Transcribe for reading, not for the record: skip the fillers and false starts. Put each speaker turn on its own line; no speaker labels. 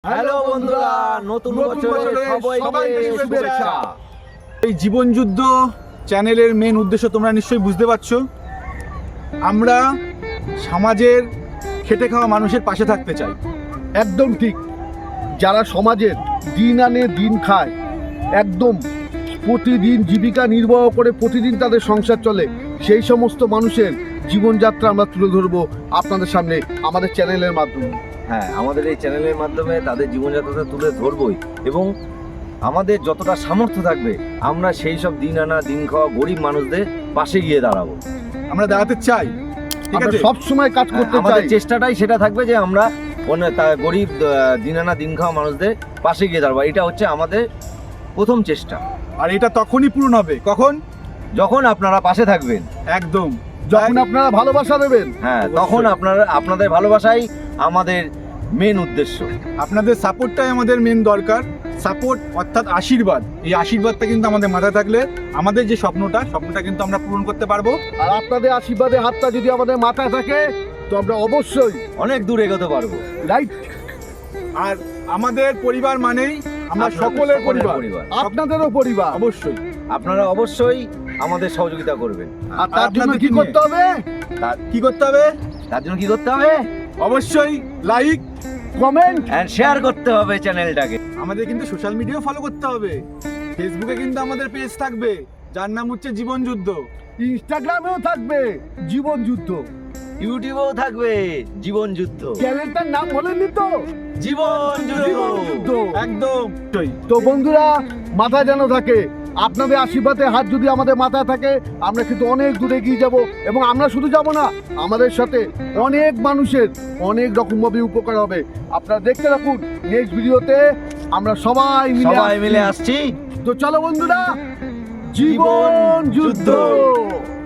Hello বন্ধুরা, নতুন বছরের সবাইকে শুভেচ্ছা।
এই জীবন যুদ্ধ চ্যানেলের মেন উদ্দেশ্য তোমরা নিশ্চয়ই বুঝতে পারছো। আমরা সমাজের খেটে খাওয়া মানুষের পাশে থাকতে চাই।
একদম ঠিক। যারা সমাজের দিন আনে দিন খায়, একদম প্রতিদিন জীবিকা নির্বাহ করে প্রতিদিন তাদের সংসার চলে, সেই সমস্ত মানুষের জীবনযাত্রা আমরা তুলে ধরবো আপনাদের সামনে আমাদের চ্যানেলের মাধ্যমে।
হ্যাঁ, আমাদের এই চ্যানেলের মাধ্যমে তাদের জীবনযাত্রাটা তুলে ধরবই, এবং আমাদের যতটা সামর্থ্য থাকবে আমরা সেই সব দিন আনা দিন খাওয়া গরিব মানুষদের পাশে গিয়ে দাঁড়াবো।
আমরা দাঁড়াতে চাই, ঠিক
আমরা
আছে?
সব সময় কাজ করতে
আমাদের
চাই।
চেষ্টাটাই সেটা থাকবে যে আমরা গরিব দিন আনা দিন খাওয়া মানুষদের পাশে গিয়ে দাঁড়াবো। এটা হচ্ছে আমাদের প্রথম চেষ্টা।
আর এটা তখনই পূরণ হবে কখন?
যখন আপনারা পাশে থাকবেন,
একদম,
যখন আপনারা ভালোবাসা দেবেন।
হ্যাঁ,
অবশ্যই।
তখন আপনাদের ভালোবাসাই আমাদের মেন উদ্দেশ্য।
আপনাদের সাপোর্টটাই আমাদের মেন দরকার। সাপোর্ট অর্থাৎ আশীর্বাদ। এই আশীর্বাদটা কিন্তু আমাদের মাথায় থাকলে আমাদের যে স্বপ্নটা কিন্তু আমরা পূরণ করতে পারবো।
আর আপনাদের আশীর্বাদের হাতটা যদি আমাদের মাথায় থাকে তো আমরা অবশ্যই
অনেক দূর এগোতে পারবো।
রাইট।
আর আমাদের পরিবার মানেই আমরা
আপনাদের
সকলের পরিবার।
আপনাদেরও পরিবার।
অবশ্যই।
আপনারা অবশ্যই আমাদের সহযোগিতা করবেন।
আর তার জন্য
আপনাদের
কি
কি
করতে হবে?
কি করতে হবে?
তার জন্য কি করতে হবে?
অবশ্যই লাইক,
কমেন্ট
এন্ড শেয়ার করতে হবে চ্যানেলটাকে।
আমাদের কিন্তু সোশ্যাল মিডিয়াও ফলো করতে হবে। ফেসবুকে কিন্তু আমাদের পেজ থাকবে, যার নাম হচ্ছে জীবন যুদ্ধ।
ইনস্টাগ্রামেও থাকবে জীবন যুদ্ধ,
ইউটিউবেও থাকবে জীবন যুদ্ধ।
চ্যানেলটার নাম বলেননি তো?
জীবন
জীবন
যুদ্ধ।
যুদ্ধ।
একদম।
তো বন্ধুরা, মাথায় যেন থাকে আপনাদের আশীর্বাদের হাত যদি আমাদের মাথায় থাকে আমরা কিন্তু অনেক দূরে এগিয়ে যাব, এবং আমরা শুধু যাব না, আমাদের সাথে অনেক মানুষের অনেক রকমভাবে উপকার হবে। আপনারা দেখতে রাখুন নেক্সট ভিডিওতে আমরা সবাই
মিলে আসছি।
তো চলো বন্ধুরা, জীবন যুদ্ধ।